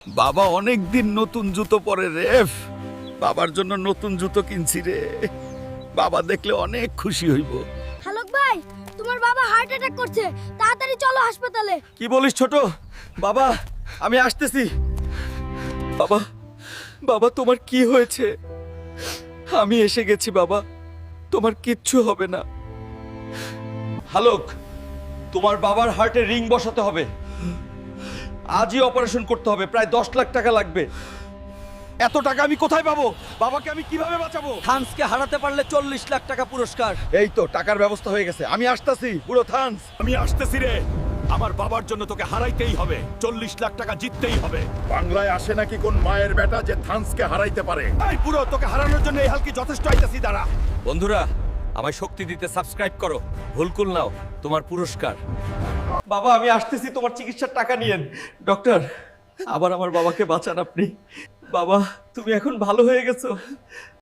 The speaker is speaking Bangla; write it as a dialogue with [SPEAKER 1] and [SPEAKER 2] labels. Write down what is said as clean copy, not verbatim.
[SPEAKER 1] বাবা অনেক দিন নতুন জুতো পরে রেফ, বাবার জন্য নতুন জুতো কিনছি রে। বাবা দেখলে অনেক খুশি হইব।
[SPEAKER 2] হালক ভাই, তোমার বাবা হার্ট অ্যাটাক করছে, তাড়াতাড়ি চলো হাসপাতালে।
[SPEAKER 1] কি বলিস ছোট? বাবা, আমি আসতেছি। বাবা, বাবা তোমার কি হয়েছে? আমি এসে গেছি বাবা, তোমার কিচ্ছু হবে না। হালক, তোমার বাবার হার্টে রিং বসাতে হবে, আজই অপারেশন করতে হবে, প্রায় 10 লাখ টাকা লাগবে। এত টাকা আমি কোথায় পাবো? বাবাকে আমি কিভাবে বাঁচাবো?
[SPEAKER 3] থান্সকে হারাতে পারলে 40 লাখ টাকা পুরস্কার।
[SPEAKER 1] এই তো টাকার ব্যবস্থা হয়ে গেছে, আমি আসতেছি। পুরো থান্স,
[SPEAKER 4] আমি আসতেছি রে। আমার বাবার জন্য তোকে হারাইতেই হবে, 40 লাখ টাকা জিততেই হবে।
[SPEAKER 5] বাংলায় আসে নাকি কোন মায়ের বেটা যে থান্সকে হারাইতে পারে?
[SPEAKER 4] এই পুরো তোকে হারানোর জন্য এই হালকি যথেষ্ট আইতাছি, দাঁড়া।
[SPEAKER 3] বন্ধুরা, আমায় শক্তি দিতে সাবস্ক্রাইব করো। ভুলকুল নাও, তোমার পুরস্কার।
[SPEAKER 1] বাবা আমি আসতেছি, তোমার চিকিৎসার টাকা নিয়েন। ডক্টর, আবার আমার বাবাকে বাঁচান আপনি। বাবা তুমি এখন ভালো হয়ে গেছো।